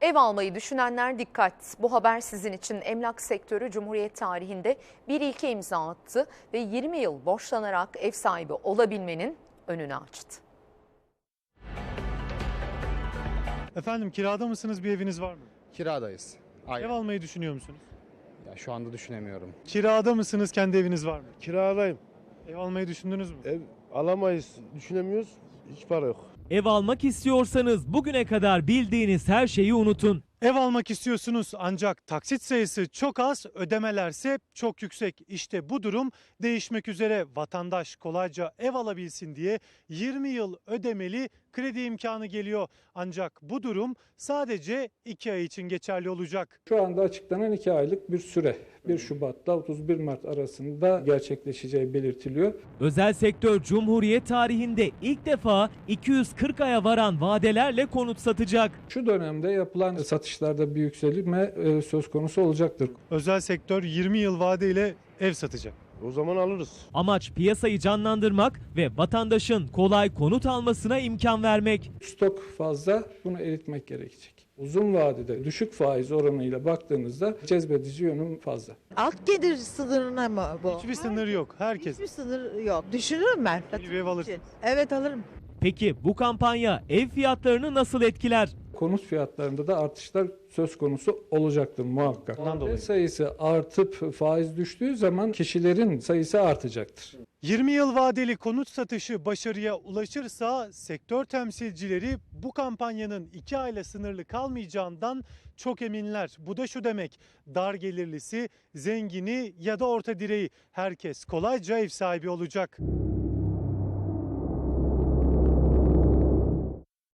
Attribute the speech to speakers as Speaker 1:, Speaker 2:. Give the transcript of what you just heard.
Speaker 1: Ev almayı düşünenler dikkat. Bu haber sizin için. Emlak sektörü Cumhuriyet tarihinde bir ilke imza attı ve 20 yıl borçlanarak ev sahibi olabilmenin önünü açtı.
Speaker 2: Efendim kirada mısınız, bir eviniz var mı?
Speaker 3: Kiradayız. Aynen.
Speaker 2: Ev almayı düşünüyor musunuz?
Speaker 3: Ya şu anda düşünemiyorum.
Speaker 2: Kirada mısınız, kendi eviniz var mı?
Speaker 4: Kiradayım.
Speaker 2: Ev almayı düşündünüz mü?
Speaker 4: Ev alamayız, düşünemiyoruz. Hiç para yok.
Speaker 5: Ev almak istiyorsanız bugüne kadar bildiğiniz her şeyi unutun.
Speaker 2: Ev almak istiyorsunuz ancak taksit sayısı çok az, ödemelerse çok yüksek. İşte bu durum değişmek üzere. Vatandaş kolayca ev alabilsin diye 20 yıl ödemeli kredi imkanı geliyor. Ancak bu durum sadece 2 ay için geçerli olacak.
Speaker 6: Şu anda açıklanan 2 aylık bir süre 1 Şubat'ta 31 Mart arasında gerçekleşeceği belirtiliyor.
Speaker 5: Özel sektör Cumhuriyet tarihinde ilk defa 240 aya varan vadelerle konut satacak.
Speaker 6: Şu dönemde yapılan satışlarda bir yükselme söz konusu olacaktır.
Speaker 2: Özel sektör 20 yıl vadeyle ev satacak.
Speaker 4: O zaman alırız.
Speaker 5: Amaç piyasayı canlandırmak ve vatandaşın kolay konut almasına imkan vermek.
Speaker 6: Stok fazla, bunu eritmek gerekecek. Uzun vadede düşük faiz oranıyla baktığınızda cezbedici yönü fazla.
Speaker 7: Alt gelir sınırına mı bu?
Speaker 2: Hiçbir sınır yok. Herkes
Speaker 7: Hiçbir sınır yok. Düşünürüm ben.
Speaker 2: bir ev alırsınız.
Speaker 7: Evet, alırım.
Speaker 5: Peki bu kampanya ev fiyatlarını nasıl etkiler?
Speaker 6: Konut fiyatlarında da artışlar söz konusu olacaktır muhakkak.
Speaker 2: Ondan dolayı.
Speaker 6: Sayısı artıp faiz düştüğü zaman kişilerin sayısı artacaktır.
Speaker 2: 20 yıl vadeli konut satışı başarıya ulaşırsa sektör temsilcileri bu kampanyanın 2 ayla sınırlı kalmayacağından çok eminler. Bu da şu demek: dar gelirlisi, zengini ya da orta direği herkes kolayca ev sahibi olacak.